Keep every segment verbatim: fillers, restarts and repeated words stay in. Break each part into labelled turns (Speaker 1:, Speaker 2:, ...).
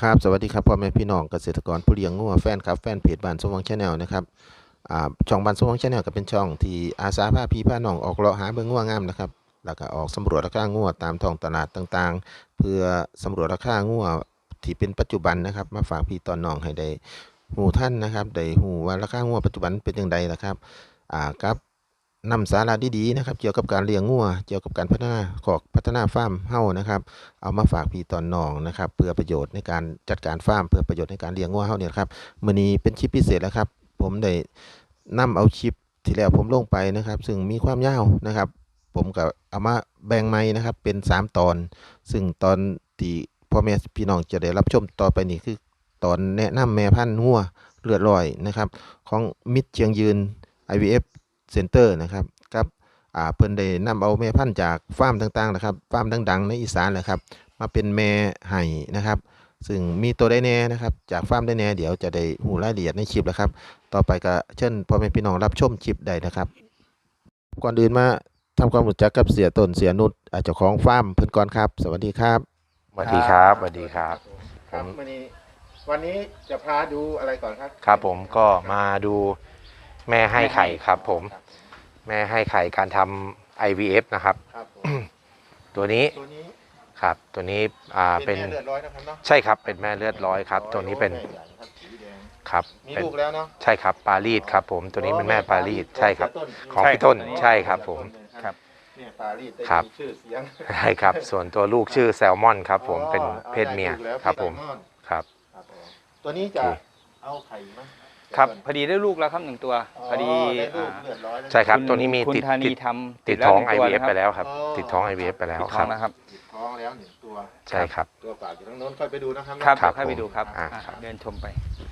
Speaker 1: ครับสวัสดีครับพ่อแม่พี่น้องเกษตรกรผู้เลี้ยงงัวแฟนครับแฟนเพจบ้านสมหวังชาแนลนะครับอ่าช่องบ้านสมหวังชาแนลก็เป็นช่องที่อาสาพาพี่พาน้องออกเลาะหาเบิ่งงัวงามนะครับแล้วก็ออกสำรวจราคางัวตามท้องตลาดต่างๆเพื่อสำรวจราคางัวที่เป็นปัจจุบันนะครับมาฝากพี่ตอนน้องให้ได้ฮู้ทันนะครับได้ฮู้ว่าราคางัวปัจจุบันเป็นจั่งใดล่ะครับอ่ากับนำสาระดีๆนะครับเกี่ยวกับการเลี้ยงงัวเกี่ยวกับการพัฒนาคอกพัฒนาฟาร์มเฮ้านะครับ เอามาฝากพี่ตอนน้องนะครับเพื่อประโยชน์ในการจัดการฟาร์มเพื่อประโยชน์ในการเลี้ยงงัวเฮาเนี่ยครับมื้อนี้เป็นคลิปพิเศษแล้วครับผมได้นำเอาคลิปที่แล้วผมลงไปนะครับซึ่งมีความยาวนะครับผมก็เอามาแบ่งใหม่นะครับเป็นสามตอนซึ่งตอนที่พ่อแม่พี่น้องจะได้รับชมต่อไปนี้คือตอนแนะนำแม่พันธุ์งัวเลือดลอยนะครับของมิตรเชียงยืน ไอ วี เอฟ Center นะครับกับ อ่าเพิ่นได้นำเอาแม่พันธุ์จากฟาร์มต่างๆนะครับฟาร์มดังๆในอีสานแหละครับมาเป็นแม่ไห่นะครับซึ่งมีตัวได้แน่นะครับจากฟาร์มได้แน่เดี๋ยวจะได้หูรายละเอียดในคลิปแล้วครับต่อไปก็เชิญพ่อแม่พี่น้องรับชมคลิปได้นะครับก่อนอื่นมาทำความรู้จักกับเสียต้นเสียนุชอ่าเจ้าของฟาร์มเพิ่นก่อนครับสวัสดีครับ
Speaker 2: สวัสดีครับสวัสดีครับ
Speaker 1: ครับ วันนี้วันนี้จะพาดูอะไรก่อนครับ
Speaker 2: ครับผมก็มาดูแม่ให้ไข่ครับผมแม่ให้ไข่การทำ ไอ วี เอฟ นะครับ
Speaker 1: ครับ
Speaker 2: ตัวนี้
Speaker 1: ตัวนี้
Speaker 2: ครับตัวนี้อ่าเป็น
Speaker 1: แม่เลือดร้อยนะครับเนาะ
Speaker 2: ใช่ครับเป็นแม่เลือดร้อยครับตัวนี้เป็นครับ
Speaker 1: มีลูกแล้วเนาะ
Speaker 2: ใช่ครับปารีสครับผมตัวนี้เป็นแม่ปารีสใช่ครับของพี่ต้นใช่ครับผม
Speaker 1: ครับเนี่ยปารีสได้ชื่อเสียง
Speaker 2: ใช่ครับส่วนตัวลูกชื่อแซลมอนครับผมเป็นเพศเมียครับผมครับ
Speaker 1: ตัวนี้จะเอาไข่มั้ย
Speaker 3: ครับพอดีได้ลูกแล้วครับหนึ่งตัวพอดี
Speaker 2: ใช่ครับตัวนี้มีติด
Speaker 3: ติด
Speaker 2: ติดท้อง ไอ วี เอฟ ไปแล้วครับติดท้อง ไอ วี เอฟ ไปแล้วครับ
Speaker 3: ติด
Speaker 1: ท้องแล้วหนึ่งตัว
Speaker 2: ใช่ครับ
Speaker 1: ตัวฝากอยู่ทางโน้นค่อยไปดูนะครับ
Speaker 3: ครับค่อยไปดูครับเดินชมไป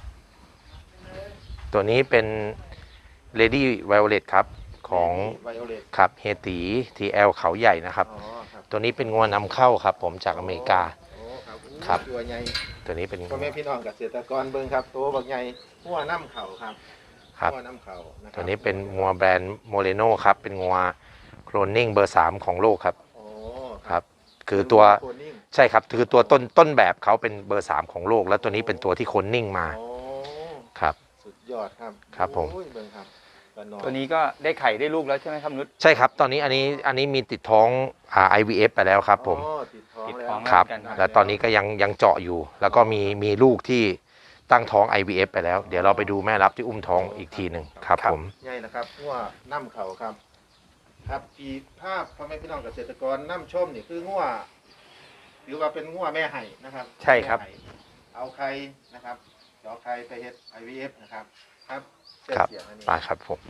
Speaker 2: ตัวนี้เป็น Lady Violet ครับของครับเฮตี ที แอล เขาใหญ่นะครับตัวนี้เป็นงวนำเข้าครับผมจากอเมริกาครับ
Speaker 1: ตัวใหญ่
Speaker 2: ตัวนี้เป็น
Speaker 1: พ่อแม่พี่น้องเกษตรกรเบิ่งครับตัวบักใหญ่หัวน้ำเข่าครับ
Speaker 2: ครับ
Speaker 1: หัวน้ำเข่า
Speaker 2: ตัวนี้เป็นงัวแบรนด์โมเรโนครับเป็นงัวโคลนนิ่งเบอร์สามของโลกครับครับคือตัวใช่ครับคือตัวต้นต้นแบบเขาเป็นเบอร์สามของโลกแล้วตัวนี้เป็นตัวที่โคลนนิ่งมาครับ
Speaker 1: สุดยอดครับ
Speaker 2: ครับผม
Speaker 3: ตัวนี้ก็ได้ไข่ได้ลูกแล้วใช่ไหมครับนุช
Speaker 2: ใช่ครับตอนนี้อันนี้อันนี้มีติดท้องอ่า ไอ วี เอฟ ไปแล้วครับผม
Speaker 1: ติดท้อง
Speaker 2: ครับแล้วตอนนี้ก็ยังยังเจาะอยู่แล้วก็มีมีลูกที่ตั้งท้อง ไอ วี เอฟ ไปแล้วเดี๋ยวเราไปดูแม่รับที่อุ้มท้องอีกทีหนึ่งครับผม
Speaker 1: ใช่นะครับงัวน้ำเข่าครับครับปีภาพพ่อแม่พี่น้องเกษตรกรน้ำชมนี่คืองัวหรือว่าเป็นงัวแม่ไห่นะครับ
Speaker 3: ใช่ครับ
Speaker 1: เอาไข่นะครับเจาะไข่ไปเฮ็ด ไอ วี เอฟ นะครับครับ
Speaker 2: ครับไปครับผม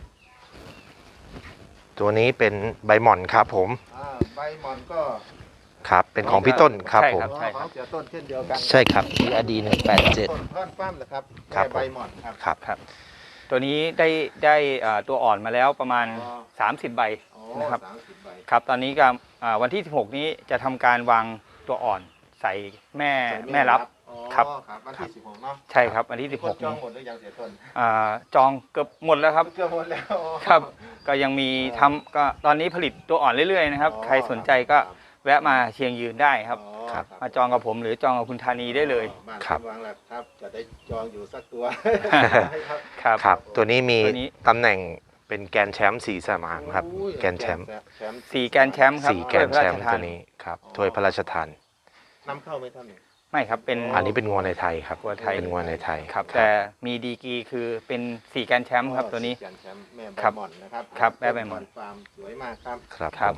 Speaker 2: ตัวนี้เป็นใบหม่อนครับผม
Speaker 1: ใบหม่อนก็
Speaker 2: ครับเป็นของพี่ต้นครับผม
Speaker 1: ใช่ครับเสียต้นเช่นเดียวกัน
Speaker 2: ใช่ครับ ที อาร์ ดี หนึ่งแปดเจ็ด
Speaker 1: ต้นท่อนฟ้ามนะครับใบหม่อนครับ
Speaker 2: ครับครับ
Speaker 3: ตัวนี้ได้ได้ตัวอ่อนมาแล้วประมาณสามสิบใบนะครับครับตอนนี้ก็วันที่สิบหกนี้จะทำการวางตัวอ่อนใส่แม่แม่รับครับ
Speaker 1: วันที่สิบหกเนาะ
Speaker 3: ใช่ครับวันที่สิบหก
Speaker 1: จองหมดหรือยังเสียต้น
Speaker 3: จองเกือบหมดแล้วครับ
Speaker 1: เกือบหมดแล้ว
Speaker 3: ครับก็ยังมีทำก็ตอนนี้ผลิตตัวอ่อนเรื่อยๆนะครับใครสนใจก็แวะมาเชียงยืนได้ครับมาจองกับผมหรือจองกับคุณธานีได้เลย
Speaker 1: ครับวางแล้วครับจะได้จองอยู่สักตัว
Speaker 2: ครับครับตัวนี้มีตำแหน่งเป็นแกนแชมป์สี่สนามครับแกนแชมป์
Speaker 3: สี่แกนแชมป์ครับ
Speaker 2: สี่แกนแชมป์ตัวนี้ครับถ้วยพระราชทาน
Speaker 1: นำเข้าไหมท่าน
Speaker 3: ไม่ครับเป็น
Speaker 2: อันนี้เป็นงัวในไทยครับ
Speaker 3: งัวไทย
Speaker 2: เป็นงัวในไทย
Speaker 3: ครับแต่มีดีกีคือเป็นสี่แกนแชมป์ครับตัวนี้
Speaker 1: แม่ใบหม่อนนะครับ
Speaker 3: ครับแม่ใบหม่อน
Speaker 1: ฟาร์มสวยมากครับ
Speaker 2: ครับครับ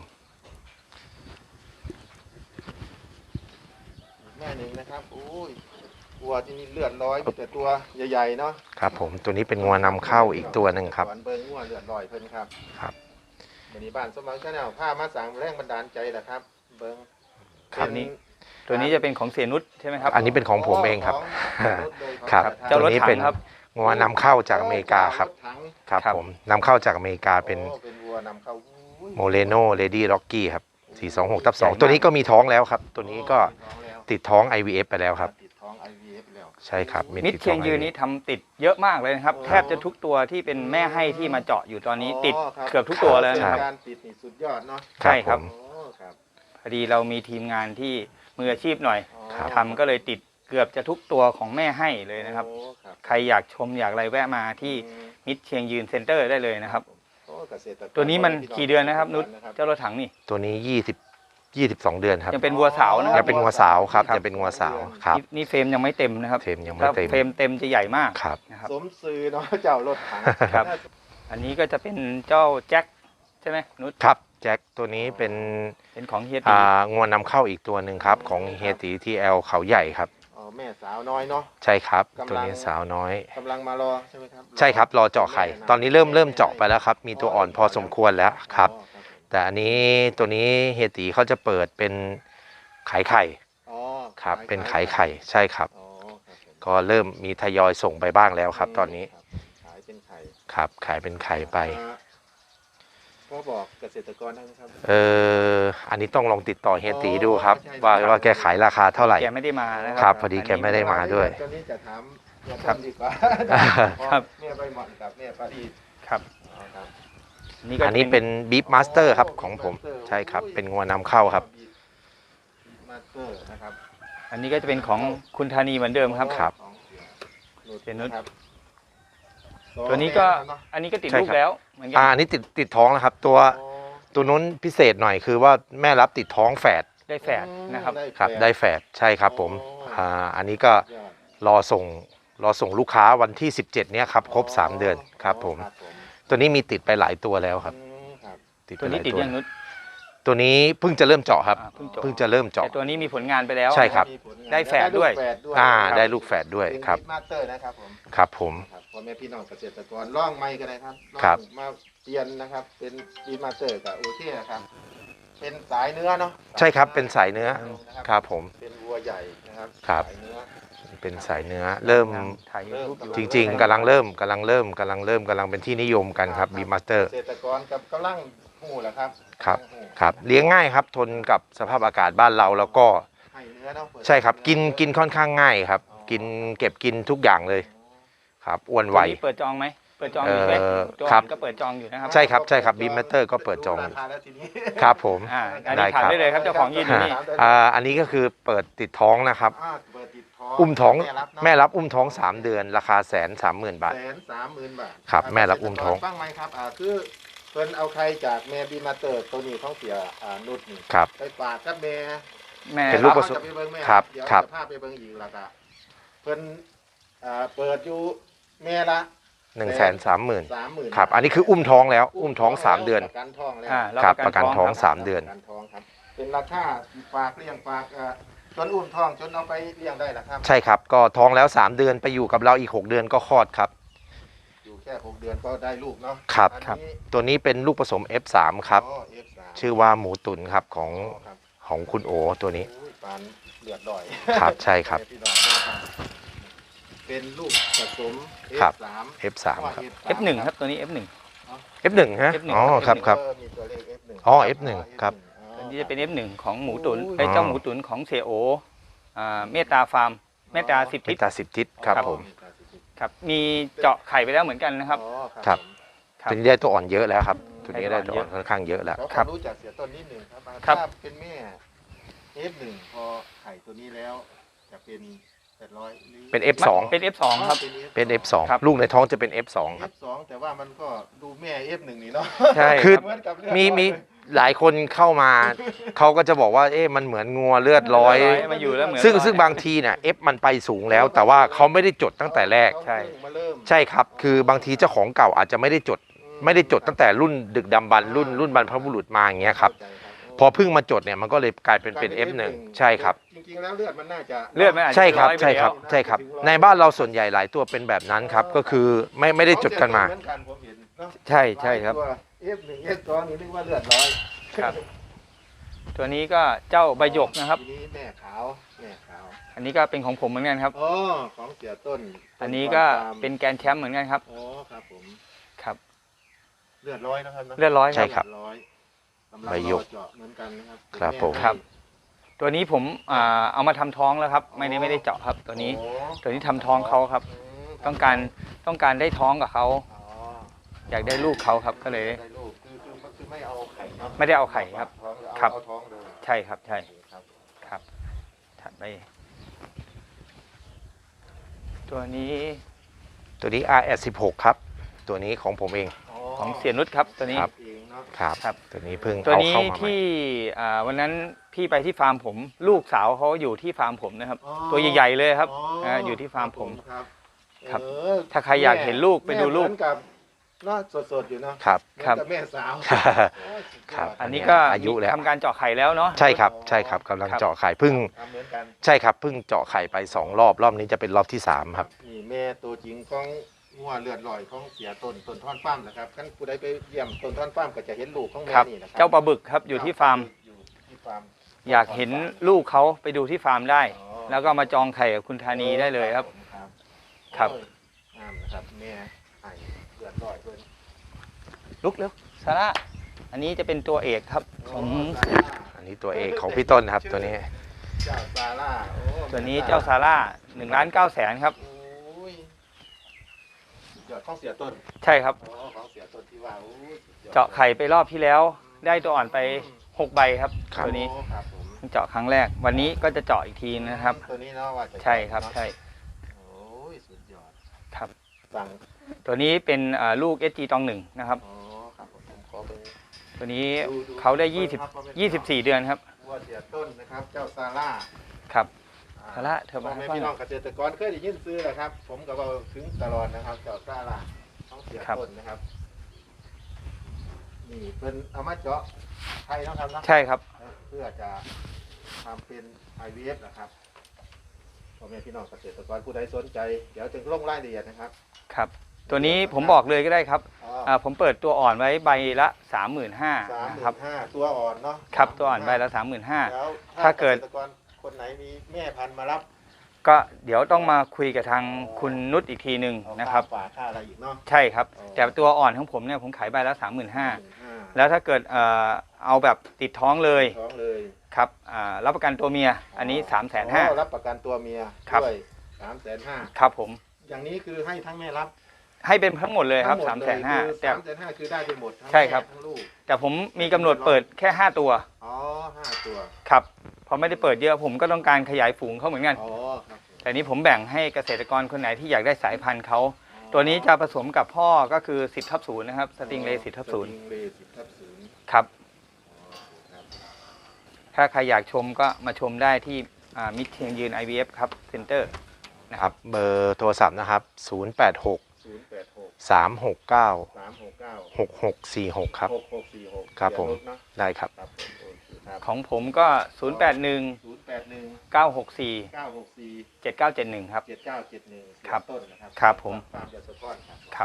Speaker 1: แม่หนึ่งนะครับโอ้ยวัวที่นี่เลือดร้อยแต่ตัวใหญ่ๆเนาะ
Speaker 2: ครับผมตัวนี้เป็นงัวนำเข้าอีกตัวหนึ่งครับ
Speaker 1: เบิ้งงัวเลือดร้อยเพิ่นครับ
Speaker 2: ครับ
Speaker 1: วันนี้บ้านสมหวังชาแนลผ้ามาสั่งแรงบันดาลใจแหละครับเบิ้ง
Speaker 3: ครับนี้ตัวนี้จะเป็นของเสียนุชใช่ไหมครับ
Speaker 2: อันนี้เป็นของผมเองครับครับตัวนี้เป็นงัวนำเข้าจากอเมริกาครับครับผมนำเข้าจากอเมริกาเป็นโมเรโนเลดี้ล็อกกี้ครับสี่สองหกทับสองตัวนี้ก็มีท้องแล้วครับตัวนี้ก็ติดท้อง ไอ วี เอฟ ไปแล้วครับใช่ครับ
Speaker 3: มิตรเชียงยืนนี้ทำติดเยอะมากเลยนะครับแทบจะทุกตัวที่เป็นแม่ให้ที่มาเจาะอยู่ตอนนี้ติดเกือบทุกตัวแล้วนะครับ
Speaker 1: การติดนี่สุดยอดเนาะ
Speaker 3: ใช่ครับพอดีเรามีทีมงานที่มืออาชีพหน่อยทำก็เลยติดเกือบจะทุกตัวของแม่ให้เลยนะครับ
Speaker 1: โอ้ครับ
Speaker 3: ใครอยากชมอยากอะไรแวะมาที่
Speaker 1: อืม
Speaker 3: มิตรเชียงยืนเซ็นเตอร์ได้เลยนะครับ
Speaker 1: โอ้เกษตรกร
Speaker 3: ตัวนี้มัน
Speaker 1: พี่อง
Speaker 3: กี่เดือนนะครับนุช
Speaker 1: ครับ
Speaker 3: เจ้ารถถังนี่
Speaker 2: ตัวนี้ยี่สิบ ยี่สิบสองเดือนครับ
Speaker 3: ยังเป็นวัวสาวนะค
Speaker 2: ยั
Speaker 3: รับ
Speaker 2: งเป็นงัวสาวครับ
Speaker 3: ครับ
Speaker 2: ยังเป็นงัวสาวครับ
Speaker 3: นี่นี่เฟรมยังไม่เต็มนะครับ
Speaker 2: เฟรมยังไม่
Speaker 3: ถ้า
Speaker 2: เต็ม
Speaker 3: เฟรมเต็มจะใหญ่มาก
Speaker 2: ครับ
Speaker 3: นะครับ
Speaker 1: สมซื้อเนาะเจ้ารถถัง
Speaker 3: ครับ อันนี้ก็จะเป็นเจ้าแจ็คใช่ไหมนุช
Speaker 2: ครับแจ็คตัวนี้เป็น
Speaker 3: เป็นของเฮียตี
Speaker 2: อ่างวนำเข้าอีกตัวหนึ่งครับของเฮียตีทีแอลเขาใหญ่ครับ
Speaker 1: อ๋อแม่สาวน้อยเนาะ
Speaker 2: ใช่ครับ
Speaker 1: กำลัง
Speaker 2: ตัวนี้สาวน้อย
Speaker 1: กำลังมารอใช่ไหมครับ
Speaker 2: ใช่ครับรอเจาะไข่ ตอนนี้เริ่มเริ่มเจาะไปแล้วครับ มีตัวอ่อนพอสมควรแล้วครับ
Speaker 1: อ๋อครับ
Speaker 2: แต่อันนี้ตัวนี้เฮียตีเขาจะเปิดเป็นขายไข่
Speaker 1: อ๋อ
Speaker 2: ครับ เป็นขายไข่ใช่ครับ
Speaker 1: อ๋อครับผม
Speaker 2: ก็เริ่มมีทยอยส่งไปบ้างแล้วครับ ตอนนี้
Speaker 1: ขายเป็นไข่
Speaker 2: ครับขายเป็นไข่ไป
Speaker 1: อ่าพ่อบอกเกษตรกรได้ไหมครับ
Speaker 2: เอออันนี้ต้องลองติดต่อเฮียตีดูครับ
Speaker 1: ใช่
Speaker 2: ว่า
Speaker 1: ครับ
Speaker 2: ว่าแกขายราคาเท่าไหร่
Speaker 3: แกไม่ได้มานะค
Speaker 2: ครั
Speaker 3: รับ
Speaker 2: พอดีแกไม่ได้มาด้วย
Speaker 1: ตอนนี้จะถามเฮีย
Speaker 3: ครั
Speaker 1: ต้
Speaker 3: บ
Speaker 1: นดีกว่า
Speaker 3: ครับ
Speaker 1: แม่ใบหมอนกับแม่ปารีส
Speaker 3: ครับ
Speaker 1: อ๋อครับ
Speaker 3: นี่ก็
Speaker 2: อันนี้เป็นบีฟมาสเตอร์ครับของผมใช่ครับ เป็นงัวนำเข้าครับ
Speaker 1: มาสเตอร์นะครับ
Speaker 3: อันนี้ก็จะเป็นของคุณธานีเหมือนเดิมครับ
Speaker 2: ครับ
Speaker 1: ของเสีย
Speaker 3: เสียนุช
Speaker 1: ครับ
Speaker 3: ตัวนี้ก็
Speaker 1: สองแม่นะครับ
Speaker 3: อันนี้ก็ติด
Speaker 2: ใช่
Speaker 3: ลูก
Speaker 2: ครับ
Speaker 3: แล้วเหมือนกั
Speaker 2: อ่าอันนี้ติดติดท้องแล้วครับ ตัว
Speaker 1: อ๋อ
Speaker 2: ตัวนู้นพิเศษหน่อยคือว่าแม่รับติดท้องแฝด
Speaker 3: ได้แฝดนะครับ
Speaker 2: ครับ ได้แฝดใช่ครับผมอ่าอันนี้ก็
Speaker 1: ยอด
Speaker 2: รอส่งรอส่งลูกค้าวันที่สิบเจ็ดเนี้ยครับครบสามเดือนครับผม
Speaker 1: ครับผม
Speaker 2: ตัวนี้มีติดไปหลายตัวแล้วครับ
Speaker 1: อืมครับ
Speaker 2: ติดไป
Speaker 3: ตัว
Speaker 2: ห
Speaker 3: นี้
Speaker 2: ลาย
Speaker 3: ติด
Speaker 2: ตัว
Speaker 3: ยังนุช
Speaker 2: ตัวนี้เพิ่งจะเริ่มเจาะครับ
Speaker 3: อ่าเพิ่งจบ
Speaker 2: เพิ่งจะเริ่ม
Speaker 3: แต่
Speaker 2: เจาะ
Speaker 3: ตัวนี้มีผลงานไปแล้ว
Speaker 2: ใช่ครับ
Speaker 1: มีผลงาน
Speaker 3: ได้แฝดด้วย
Speaker 1: ได้ลูกแฝดด้วย
Speaker 2: อ่า
Speaker 1: ครับ
Speaker 2: ได้ลูกแฝดด้วย
Speaker 1: เป็น
Speaker 2: ครับ
Speaker 1: บิ๊กมาสเตอร์นะครับผม
Speaker 2: ครับผม
Speaker 1: ครับพ่อแม่พี่น้องเกษตรกรล่องไม้กันเลยครับล่อง
Speaker 2: ครับ
Speaker 1: มาเปลี่ยนนะครับ เป็นบิ๊กมาสเตอร์กับโอเคนะครับ เป็นสายเนื้อเนาะ
Speaker 2: ใช่ครับเป็นสายเนื้อ
Speaker 1: นะครับ
Speaker 2: ครับผม
Speaker 1: เป็นวัวใหญ่นะครับ
Speaker 2: ครับ
Speaker 1: สายเนื้อ
Speaker 2: เป็นสายเนื้อเริ่ม
Speaker 3: ถ่ายรูปอยู่
Speaker 2: จริง ๆกำลังเริ่มกำลังเริ่มกำลังเริ่มกำลังเป็นที่นิยมกันครับบีมาสเตอร์
Speaker 1: เกษตรกรกับกำลังหูแหละครับ
Speaker 2: ครับ
Speaker 1: กำลังหู
Speaker 2: ครับเลี้ยงง่ายครับทนกับสภาพอากาศบ้านเราแล้วก็
Speaker 1: ให้เนื้อเนาะเปิด
Speaker 2: ใช่ครับกิน
Speaker 1: เอ
Speaker 2: กินค่อนข้างง่ายครับ กินเก็บกินทุกอย่างเลยครับอ้วนไว
Speaker 3: ตัวนี้เปิดจองไหมเปิดจองอยู่ไหม
Speaker 2: เอ่อ
Speaker 3: ตัว
Speaker 2: ครับ
Speaker 3: ก็เปิดจองอยู่นะครับ
Speaker 2: ใช่ครับใช่ครับ Beam Master ก็เปิดจอง
Speaker 1: ราคาแล้วทีนี้
Speaker 2: ครับผม
Speaker 3: อ่าอัน
Speaker 2: ได้
Speaker 3: นี้
Speaker 2: ครั
Speaker 3: ถาม
Speaker 2: บ
Speaker 3: ได้เลยครับเจ้าของยืนอยู่นี่
Speaker 2: อ่าอันนี้ก็คือเปิดติดท้องนะครับ
Speaker 1: อ่าเปิดติดท้อง
Speaker 2: อุ้มท้อง
Speaker 1: แม่รับเนาะ
Speaker 2: แม่รับอุ้มท้องสามเดือน ราคาแสนสามหมื่นบาท
Speaker 1: แสนสามหมื่นบาท
Speaker 2: ครับแม่รับอุ้มท้อง
Speaker 1: ฟังไหมครับอ่าคือเพิ่นเอาใครจากแม่บีมาเตอร์ตัวนี้ท้องเสียอ่านุชนี่
Speaker 2: ครับ
Speaker 1: ไปฝากกับแม่
Speaker 3: แม่
Speaker 2: เป็นลูกผสม
Speaker 1: จะไปเบิ่งแม่
Speaker 2: ครับ
Speaker 1: เดี๋ยว
Speaker 2: ครับ
Speaker 1: จะพาไปเบิ่งอีกแล้วก็เพิ่นอ่าเปิดอยู่แม่ละ
Speaker 2: หนึ่งแสนสามหมื่น
Speaker 1: สามหมื่น
Speaker 2: ครับอันนี้คืออุ้มท้องแล้ว อุ้มท้องสามเดือน
Speaker 1: ประกันท้องแล้ว
Speaker 3: อ่าแล้ว
Speaker 2: ครับ
Speaker 3: ป
Speaker 2: ประ ระ
Speaker 3: กั
Speaker 2: กัน น
Speaker 3: ท้
Speaker 2: ท้
Speaker 3: อ
Speaker 2: อง ง
Speaker 3: ครับ
Speaker 2: สามเดือน
Speaker 1: ประกันท้องครับ เป็นราคาฝากเลี้ยงฝากอ่าจนอุ้มท้องจนเอาไปเลี้ยงได้ละครับ
Speaker 2: ใช่ครับก็ท้องแล้วสามเดือนไปอยู่กับเราอีกหกเดือนก็คลอดครับ
Speaker 1: อยู่แค่หกเดือนก็ได้ลูกเนาะ
Speaker 2: ครับ
Speaker 1: อัน
Speaker 2: ครับ
Speaker 1: นี้
Speaker 2: ตัวนี้เป็นลูกผสม เอฟ สาม ครับ
Speaker 1: อ๋อ เอฟ สาม
Speaker 2: ชื่อว่าหมูตุ๋นครับของ
Speaker 1: อ๋อครับ
Speaker 2: ของคุณโอตัวนี้
Speaker 1: อุ้ยปานเลือดลอย
Speaker 2: ครับใช่ครับ
Speaker 1: พี่น้องด้วยครับเป็นลูกผสม
Speaker 2: ครับ
Speaker 1: เอฟ สาม
Speaker 2: เอฟ สาม ครับ
Speaker 3: เอฟหนึ่งครับตัวนี้ เอฟหนึ่ง
Speaker 2: เอฟ หนึ่ง ฮะ
Speaker 3: เอฟหนึ่ง
Speaker 2: อ๋อครับครับ
Speaker 1: เออมีตัวเลข เอฟ หนึ่ง
Speaker 2: อ๋อ เอฟ หนึ่ง ครับ
Speaker 3: อันนี้จะเป็น เอฟหนึ่ง ของหมูตุ๋น
Speaker 1: โอ้ย
Speaker 3: ไอ้เจ้าหมูตุ๋นของเซโออ่าเมตตาฟาร์มเมตตาสิบ
Speaker 2: เม
Speaker 3: ทิศ
Speaker 2: ตาสิบทิศครับผม
Speaker 3: ครับมีเจาะไข่ไปแล้วเหมือนกันนะครับ
Speaker 1: อ๋อ
Speaker 2: ครับ
Speaker 1: ผม
Speaker 3: ครับ
Speaker 2: ตัวนี้ได้ตัวอ่อนเยอะแล้วครับ ตัวนี้
Speaker 3: ได้
Speaker 2: ได้
Speaker 3: ตั
Speaker 2: ตัว ว
Speaker 3: อ่
Speaker 2: อ่
Speaker 3: อ
Speaker 2: อน นค่อนข้างเยอะแล้ว
Speaker 1: เขา
Speaker 3: ครับ
Speaker 1: รู้จักเสียต้นนิดหนึ่งครับ
Speaker 3: ครับ
Speaker 1: ถ้าเป็นแม่ เอฟ หนึ่ง พอไข่ตัวนี้แล้วจะเป็นแปดร้อยหรือ
Speaker 2: เป็น เอฟ สอง
Speaker 3: เป็น เอฟ สอง ครับ
Speaker 2: เป็น เอฟ สอง
Speaker 3: ครับ
Speaker 2: ลูกในท้องจะเป็น เอฟ สอง ครับ
Speaker 1: เอฟ สอง แต่ว่ามันก็ดูแม่ เอฟ หนึ่ง นี่เนาะ
Speaker 3: ใช่
Speaker 2: คือ
Speaker 1: เหมือนกับเลือด
Speaker 2: มี
Speaker 1: ร้อย
Speaker 2: มี
Speaker 1: เลย
Speaker 2: หลายคนเข้ามา เขาก็จะบอกว่าเอ๊ะมันเหมือนงัวเลือดร้อย
Speaker 3: มาอยู่แล้วเหมือน
Speaker 2: ซึ่ง
Speaker 3: ร้อย
Speaker 2: ซึ่งบางทีเนี่ยเอฟมันไปสูงแล้ว แต่ว่าเขาไม่ได้จดตั้งแต่แรก
Speaker 3: ใช่
Speaker 1: มาเริ่ม
Speaker 2: ใช่ครับ คือบางทีเจ้าของเก่าอาจจะไม่ได้จด ไม่ได้จดตั้งแต่รุ่นดึกดำบรรพ์รุ่นรุ่นบรรพบุรุษมาอย่างเงี้ยครับ
Speaker 1: เข้าใจครับ
Speaker 2: พอเพิ่งมาจดเนี่ยมันก็เลยกลายเป็นเป็น เอฟ หนึ่ง ใช่ครับ
Speaker 1: จริงๆแล้วเลือดมันน่าจะ
Speaker 3: เลือดมันอาจจะ
Speaker 2: ใช่ครับ
Speaker 3: ร้อยไป
Speaker 2: ใช่ครับ
Speaker 3: แล้ว
Speaker 2: ใช่ครับ ในบ้านเราส่วนใหญ่หลายตัวเป็นแบบนั้นครับ ก็คือไม่ไม่ได้จดกันมา
Speaker 1: เหมือนกันผมเห็นเนอะ
Speaker 3: ใช่ใช่ครับ
Speaker 1: เอฟหนึ่งเอฟสองนี่นึกว่าเลือดร้อย
Speaker 3: ครับ ตัวนี้ก็เจ้าใบหยกนะครับ
Speaker 1: ทีนี้แม่ขาวแม่ขาว
Speaker 3: อันนี้ก็เป็นของผมเหมือนกันครับ
Speaker 1: อ๋อของเสียต้น
Speaker 3: อันนี้ก็เป็นแกรนด์แชมป์เหมือนกันครับ
Speaker 1: อ๋อครับผม
Speaker 3: ครับ
Speaker 1: เลือดร้อยนะครับนะ
Speaker 3: เลือดร้อย
Speaker 2: ใช่ครับ
Speaker 1: เลือดร้อยกำลัง
Speaker 2: ใบหยก
Speaker 1: รอเจาะเหมือนกันนะครับ
Speaker 2: ครับ
Speaker 1: แ
Speaker 2: ผม
Speaker 3: ครับ ตัวนี้ผมอ่าเอามาทำท้องแล้วครับ ไม่ได้ไม่ได้เจาะครับ ตัวนี้
Speaker 1: โอ้
Speaker 3: ตัวนี้ทำท้องเขาครับ
Speaker 1: ม
Speaker 3: ต้องการต้องการได้ท้องกับเขา
Speaker 1: อ๋อ
Speaker 3: อยากได้ลูกเขาครับ ก็เลย
Speaker 1: ได้ลูกคือคือคือไม่เอาไข่เนอะ
Speaker 3: ไม่ได้เอาไข่ครับ
Speaker 1: ท้องเอา
Speaker 3: ครับ
Speaker 1: เอาท้องเลย
Speaker 3: ใช่ครับ ใช่
Speaker 1: ครับ
Speaker 3: ครับถัดไปตัวนี้
Speaker 2: ตัวนี้ อาร์ เอส สิบหก ครับตัวนี้ของผมเอง
Speaker 3: ของเสียนุชครับตัวนี้
Speaker 2: ครับ
Speaker 1: เองเนาะ
Speaker 2: ครับ
Speaker 3: ครับ
Speaker 2: ตัวนี้เพิ่ง
Speaker 3: ตัว
Speaker 2: เอา
Speaker 3: นี้
Speaker 2: เข้ามาใหม่
Speaker 3: ที่อ่าวันนั้นพี่ไปที่ฟาร์มผม ลูกสาวเขาอยู่ที่ฟาร์มผมนะครับ
Speaker 1: อ๋อ
Speaker 3: ตัวใหญ่ๆเลยครับ
Speaker 1: อ๋อ
Speaker 3: อ่าอยู่ที่ฟาร์มผม
Speaker 1: ครับ
Speaker 3: ครับ
Speaker 1: เออ
Speaker 3: ถ้าใครอยากเห็นลูกไปดูลูก
Speaker 1: แม่เหมือนกับเนาะสดๆอยู่เนาะ
Speaker 2: ครับ
Speaker 1: เหมือน
Speaker 3: ครับ
Speaker 1: กับแม่สาว
Speaker 2: ครับ
Speaker 3: อันนี้ก็
Speaker 2: อายุแล้ว
Speaker 3: ทำการเจาะไข่แล้วเนาะ
Speaker 2: ใช่ครับใช่ครับกำลัง
Speaker 3: ครับ
Speaker 2: เจาะไข่เพิ่ง
Speaker 1: ทำเหมือนกัน
Speaker 2: ใช่ครับเพิ่งเจาะไข่ไปสองรอบรอบนี้จะเป็นรอบที่สามครับ
Speaker 1: นี่แม่ตัวจริงของงัวเลือดลอยของเสียต้นต้นท่อนฟ้าร์มนะครับท่านผู้ใดไปเยี่ยมต้นท่อนฟ้าร์มก็จะเห็นลูกของแม่
Speaker 3: ครับ
Speaker 1: นี่นะครั
Speaker 3: เจ้าปลาบึกครับอยู่ที่ฟาร์ม
Speaker 1: อยู่ที่ฟาร์ม
Speaker 3: อยากเห็นลูกเขาไปดูที่ฟาร์มได้
Speaker 1: อ๋อ
Speaker 3: แล้วก็มาจองไข่กับคุณธานีได้เลยครับ
Speaker 1: ครับ
Speaker 3: ครับ
Speaker 1: โอ้ยงามนะครับแม่ไอ้เลือดลอยเพิ่น
Speaker 3: ลุกเร็วซาร่าอันนี้จะเป็นตัวเอกครับของ
Speaker 1: โซาร่า
Speaker 2: อันนี้ตัวเอกของพี่ต้นครับตัวนี้
Speaker 1: เจ้าซาร่าโอ้
Speaker 3: ตัวนี้เจ้าซาร่าหนึ่งล้านเก้าแสนครับ
Speaker 1: โอ้ยสุดยอดของเสียต้น
Speaker 3: ใช่ครับ
Speaker 1: อ๋อของเสียต้นที่ว่าโอ้ยสุดยอด
Speaker 3: เจาะไข่ไปรอบที่แล้ว ได้ตัวอ่อนไปหกใบครับ
Speaker 2: ครับ
Speaker 3: ตัวนี้
Speaker 1: โอ้ครับผม
Speaker 3: เพิ่งเจาะครั้งแรก วันนี้ก็จะเจาะอีกทีนะครับ
Speaker 1: ตัวนี้เนาะว่าจะ
Speaker 3: ใช่ครับใช่
Speaker 1: โอ้ยสุดยอด
Speaker 3: ครับ
Speaker 1: สั่ง
Speaker 3: ตัวนี้เป็นอ่าลูก เอส จี ตองหนึ่งนะครับ
Speaker 1: อ๋อครับผมผมขอเป็น
Speaker 3: ตัวนี้
Speaker 1: ดูดู
Speaker 3: เขาได้ยี่สิบ
Speaker 1: ครับว่าเป็น
Speaker 3: ยี่สิบสี่เดือนครับ
Speaker 1: วัวเสียต้นนะครับ เจ้าซาร่า
Speaker 3: ครับ
Speaker 1: อ่
Speaker 3: ซาร่าเธอมา
Speaker 1: พ่อแม่
Speaker 3: ให้ฟัง
Speaker 1: พี่น้องเกษตรกรเคยได้ยินซื้อแหละครับ ผมกับเราถึงตลอดนะครับ เจ้าซาร่าต้องเสีย
Speaker 3: ครับ
Speaker 1: ต้นนะครับ นี่เป็นเอามาเจาะไทยเนาะครับเนาะ
Speaker 3: ใช่ครับ
Speaker 1: เพื่อจะทำเป็น ไอ วี เอฟ นะครับพ่อแม่พี่น้องเกษตรกรผู้ใดสนใจ เดี๋ยวจะลงรายละเอียดนะครับ
Speaker 3: ครับ ตัวนี้ผมบอกเลยก็ได้ครับ
Speaker 1: อ๋อ
Speaker 3: อ่าผมเปิดตัวอ่อนไว้ใบละสามหมื่นห้า
Speaker 1: สามห
Speaker 3: นะ
Speaker 1: มื่
Speaker 3: ครับ
Speaker 1: นห้าตัวอ่อนเนาะ
Speaker 3: ครับตัวอ่อนใบละสามหมื่นห้า
Speaker 1: แล้ว
Speaker 3: ถ้าเกิด
Speaker 1: เกษตรกรคนไหนมีแม่พันธุ์มารับ
Speaker 3: ก็เดี๋ยวต้องมาคุยกับทางคุณนุชอีกทีหนึ่ง
Speaker 1: เอา
Speaker 3: นะครับ
Speaker 1: ค่าฝาค่าอะไรอีกเนาะ
Speaker 3: ใช่ครับ
Speaker 1: อ๋อ
Speaker 3: แต่ตัวอ่อนของผมเนี่ยผมขายใบละสามหมื่นห้า
Speaker 1: หมื่นห้า
Speaker 3: แล้วถ้าเกิดเอ่อเอาแบบติดท้องเลย
Speaker 1: ท้องเลย
Speaker 3: ครับอ่ารับประกันตัวเมีย อันนี้สามแสนห้า
Speaker 1: อ๋อรับประกันตัวเมีย
Speaker 3: ครับ
Speaker 1: ด้วยสามแสนห้า
Speaker 3: ครับผม
Speaker 1: อย่างนี้คือให้ทั้งแม่รับ
Speaker 3: ให้เป็นทั้งหมดเลยครับ
Speaker 1: ทั้
Speaker 3: สาง ม
Speaker 1: ด
Speaker 3: แส
Speaker 1: เลย
Speaker 3: นห้า
Speaker 1: คือ
Speaker 3: แต่
Speaker 1: สามแสนห้าคือได้ไปหมดทั้ง
Speaker 3: ใช่ครับ
Speaker 1: แม่ทั้งลูก
Speaker 3: แต่ผมมีกำหนดเปิดแค่ห้าตัว
Speaker 1: อ๋อห้าตัว
Speaker 3: ครับเพราะไม่ได้เปิดเยอะผมก็ต้องการขยายฝูงเขาเหมือนกัน
Speaker 1: อ๋อครับผม
Speaker 3: แต่นี้ผมแบ่งให้เกษตรกรคนไหนที่อยากได้สายพันธุ์เขาตัวนี้จะผสมกับพ่อก็คือสิบทับศูนย์นะครับสติงเลสิบทับศูนย์
Speaker 1: สติงเลสิบทับศูนย์
Speaker 3: ครับ
Speaker 1: อ๋อครับ
Speaker 3: ถ้าใครอยากชมก็มาชมได้ที่มิตรเชียงยืน ไอ วี เอฟ ครับเซ็นเตอร์
Speaker 2: ครับเบอร์โทรศัพท์นะครับ ศูนย์ แปด หก
Speaker 1: ศูนย์แปดหก
Speaker 2: สาม หก เก้า
Speaker 1: สามหกเก้า
Speaker 2: หก หก สี่ หก ครับ
Speaker 1: หกหกสี่หก
Speaker 2: ครับผม
Speaker 1: เสียนุชเนอะ
Speaker 2: ได้ครับ
Speaker 1: ครับผมโอเคครับ
Speaker 3: ของผมก็ ศูนย์ แปด หนึ่ง
Speaker 1: ศูนย์แปดหนึ่ง
Speaker 3: เก้า หก สี่
Speaker 1: เก้าหกสี่
Speaker 3: เจ็ด เก้า เจ็ด หนึ่ง ครับ
Speaker 1: เจ็ดเก้าเจ็ดหนึ่ง
Speaker 3: ครับ
Speaker 1: ต้นนะครับ
Speaker 3: ครับผม
Speaker 1: ฟาร์มยาสก้อนครับ
Speaker 3: ครับ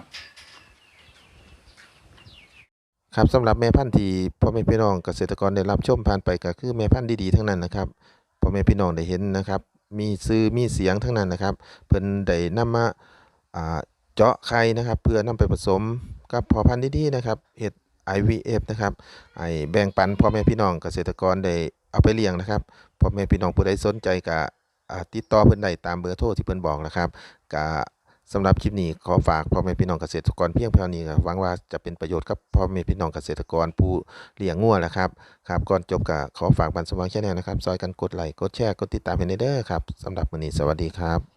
Speaker 1: ครับสำหรับแม่พันธุ์ที่พ่อแม่พี่น้องเกษตรกรได้รับชมผ่านไปก็คือแม่พันธุ์ดีๆทั้งนั้นนะครับพ่อแม่พี่น้องได้เห็นนะครับ มีซื้อมีเสียงทั้งนั้นนะครับ เพิ่นได้นำมาอ่าเจาะไข่นะครับ เพื่อนำไปผสมกับพ่อพันธุ์ดีๆนะครับเฮ็ด ไอ วี เอฟ นะครับไอ้แบ่งปันพ่อแม่พี่น้องเกษตรกรได้เอาไปเลี้ยงนะครับพ่อแม่พี่น้องผู้ใดสนใจก็อ่าติดต่อเพิ่นได้ตามเบอร์โทรที่เพิ่นบอกนะครับก็สำหรับคลิปนี้ขอฝากพ่อแม่พี่น้องเกษตรกรเพียงเท่านี้ครับหวังว่าจะเป็นประโยชน์กับพ่อแม่พี่น้องเกษตรกรผู้เลี้ยงงัวนะครับครับก่อนจบก็ขอฝากบันสมองแชนแนลนะครับซอยกันกดไลค์กดแชร์กดติดตามให้เด้อครับสำหรับวันนี้สวัสดีครับ